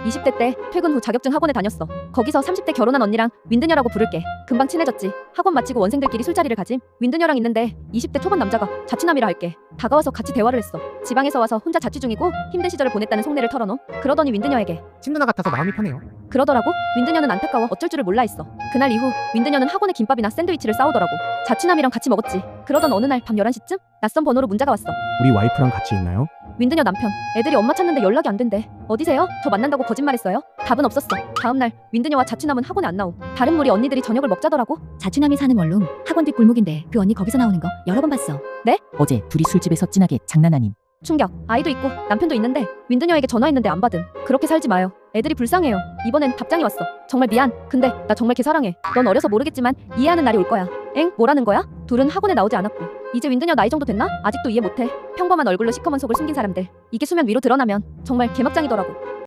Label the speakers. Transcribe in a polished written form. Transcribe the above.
Speaker 1: 20대 때 퇴근 후 자격증 학원에 다녔어. 거기서 30대 결혼한 언니랑 윈드녀라고 부를게. 금방 친해졌지. 학원 마치고 원생들끼리 술자리를 가짐. 윈드녀랑 있는데 20대 초반 남자가 자취남이라 할게. 다가와서 같이 대화를 했어. 지방에서 와서 혼자 자취 중이고 힘든 시절을 보냈다는 속내를 털어놓. 그러더니 윈드녀에게
Speaker 2: 친누나 같아서 마음이 편해요.
Speaker 1: 그러더라고. 윈드녀는 안타까워 어쩔 줄을 몰라 했어. 그날 이후 윈드녀는 학원에 김밥이나 샌드위치를 싸오더라고. 자취남이랑 같이 먹었지. 그러던 어느 날 밤 11시쯤 낯선 번호로 문자가 왔어.
Speaker 3: 우리 와이프랑 같이 있나요?
Speaker 1: 윈드녀 남편. 애들이 엄마 찾는데 연락이 안 된대. 어디세요? 저 만난다고 거짓말했어요? 답은 없었어. 다음날 윈드녀와 자취남은 학원에 안 나옴. 다른 무리 언니들이 저녁을 먹자더라고.
Speaker 4: 자취남이 사는 원룸 학원 뒷 골목인데 그 언니 거기서 나오는 거 여러 번 봤어.
Speaker 5: 어제 둘이 술집에서 진하게 장난하님.
Speaker 1: 충격. 아이도 있고 남편도 있는데 윈드녀에게 전화했는데 안 받음. 그렇게 살지 마요. 애들이 불쌍해요. 이번엔 답장이 왔어. 정말 미안. 근데 나 정말 걔 사랑해. 넌 어려서 모르겠지만 이해하는 날이 올 거야. 엥? 뭐라는 거야? 둘은 학원에 나오지 않았고. 이제 윈드녀 나이 정도 됐나? 아직도 이해 못해. 평범한 얼굴로 시커먼 속을 숨긴 사람들. 이게 수면 위로 드러나면 정말 개막장이더라고.